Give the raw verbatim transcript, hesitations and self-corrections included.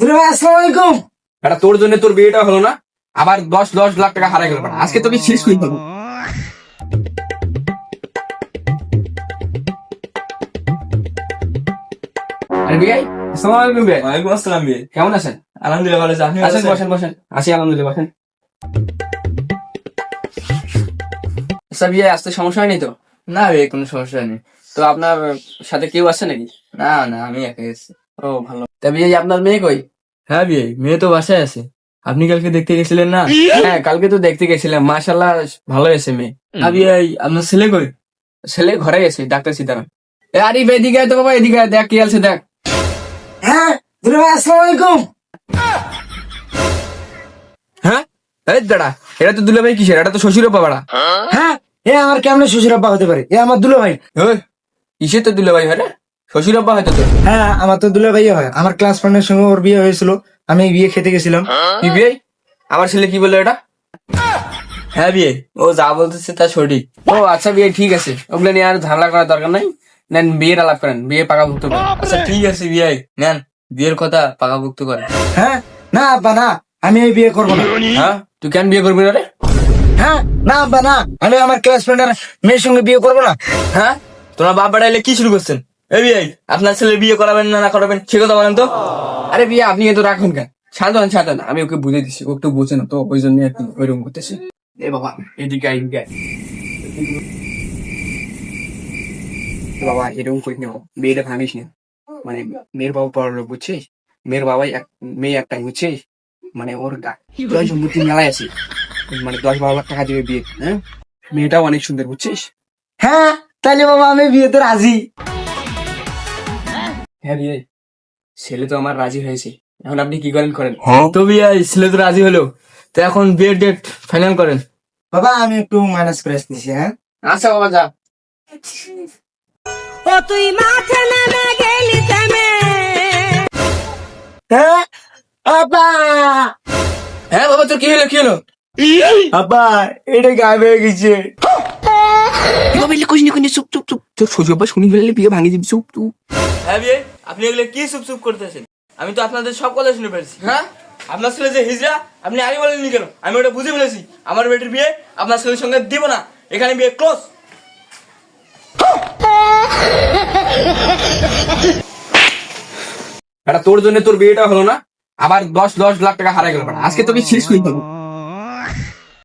আসসালামাইকুম। এটা তোর জন্য তোর বিয়েটা হলো না, আবার দশ দশ লাখ টাকা হারাই গেল। আজকে তোকে শেষ করে দেবো। আরে বিয়াই, আসসালামু আলাইকুম বিয়াই। ওয়ালাইকুম আসসালাম বিয়ে। কেমন আছেন? আলহামদুলিল্লাহ ভালো আছি। আপনি আসেন বসেন বসেন। আসি আলহামদুলিল্লাহ, বসেন। আচ্ছা বিয়াই, আসতে সমস্যা হয়নি তো? না বিয়ে, কোনো সমস্যা নেই। তো আপনার সাথে কেউ আছে নাকি? না না, আমি একাই আছি। ও ভালো। তা বিয়াই, আপনার মেয়ে কই? হ্যাঁ বিয়ে, মেয়ে তো বাসায় আছে। আপনি কালকে দেখতে গেছিলেন না? হ্যাঁ, কালকে তো দেখতে গেছিলাম, মাশাআল্লাহ ভালো আছে মেয়ে। হ্যাঁ বিয়ে, আপনার ছেলে কই? ছেলে ঘরে আছে, ডাক্তার সীতারাম। এ আরিফ, এদিকে আয় তো বাবা, এদিকে আয়, দেখ কি আছে দেখ। হ্যাঁ দুলা ভাই আসসালামাইকুম। হ্যাঁ এই দাঁড়া, এটা তো দুলাভাই কিসের? এটা তো শ্বশুর পাড়া। হ্যাঁ এ আমার কেমন শ্বশুর আব্বা হতে পারে? এ আমার দুলা ভাই। ওই কিসের তো দুলাভাই হয় রে? শ্বশুর আব্বা হয়তো তোর। হ্যাঁ আমার তো দুলা ভাই হয়। আমার ক্লাস ফ্রেন্ডের সঙ্গে ওর বিয়ে হয়েছিল, আমি বিয়ে খেতে গেছিলাম। কি বিয়ে? আমার ছেলে কি বললো এটা? হ্যাঁ বিয়ে, ও যা বলতেছে তা সঠিক। ও আচ্ছা বিয়ে, ঠিক আছে, ওগুলো নিয়ে আর ঝামেলা করার দরকার নাই। নেন বিয়ের আলাপ করেন, বিয়ে পাকাভুক্ত করেন। আচ্ছা ঠিক আছে বিয়ে, নেন বিয়ের কথা পাকাভুক্ত করেন। হ্যাঁ না আব্বা না, আমি এই বিয়ে করবো না। হ্যাঁ, তুই কেন বিয়ে করবি না রে? হ্যাঁ না আব্বা না, আমি আমার ক্লাস ফ্রেন্ডের মেয়ের সঙ্গে বিয়ে করবো না। হ্যাঁ, তোমরা বাপ বেড়াইলে কি শুরু করছেন? এই বিয়ে, আপনার ছেলে বিয়ে করাবেন না না করাবেন সে কথা বলেন তো। আরে বিয়ে, আপনি এত রাখুন কেন? ছাড়েন ছাড়েন, আমি ওকে বুঝে দিচ্ছি, ও একটু বোঝে না তো, ওই জন্য একটু ওইরকম করতেছি। এ বাবা, এদিকে আয়, এদিকে আয়। এ বাবা, এরকম করিস না, বিয়েটা ভাঙিস না। মানে মেয়ের বাবা বড় লোক, বুঝছিস? মেয়ের বাবাই এক, মেয়ে একটাই, বুঝছিস? মানে ওর গা- জয় সম্পত্তি মেলায় আছে, মানে দশ বারো লাখ টাকা দিবে বিয়ে। হ্যাঁ, মেয়েটাও অনেক সুন্দর, বুঝছিস? হ্যাঁ তাহলে বাবা আমি বিয়েতে রাজি। হ্যাঁ বিয়ে, ছেলে তো আমার রাজি হয়েছে, এখন আপনি কি করেন করেন। তো বিয়ে, ছেলে তো রাজি হলো, তো এখন বিয়ের ডেট ফাইনাল করেন। বাবা আমি একটু মাইনাস করে আসতেছি। হ্যাঁ আচ্ছা বাবা, যা। ও তুই মাঠে নেমে গেলি থেমে। হ্যাঁ আব্বা, হ্যাঁ বাবা, তোর কি হলো কি হলো? আব্বা এটা গায়েব হয়ে গেছে। বাবা এলে কইনি কইনি, চুপ চুপ চুপ, তোর শ্বশুর বাবা শুনি ফেললে বিয়ে ভাঙিয়ে দিবি, চুপ চুপ। হ্যাঁ বিয়ে, আপনি এগুলো কি চুপ চুপ করতেছেন? আমি তো আপনাদের সব কথা শুনে ফেলছি। হ্যাঁ, আপনার ছেলে যে হিজড়া, আপনি আগে বলেননি কেন? আমি ওটা বুঝে ফেলেছি। আমার বেটির বিয়ে আপনার ছেলের সঙ্গে দিব না, এখানে বিয়ে ক্লোজ। এটা তোর জন্য তোর বিয়েটা হলো না, আবার দশ দশ লাখ টাকা হারাই গেল। আজকে তোকে শেষ করে দেবো।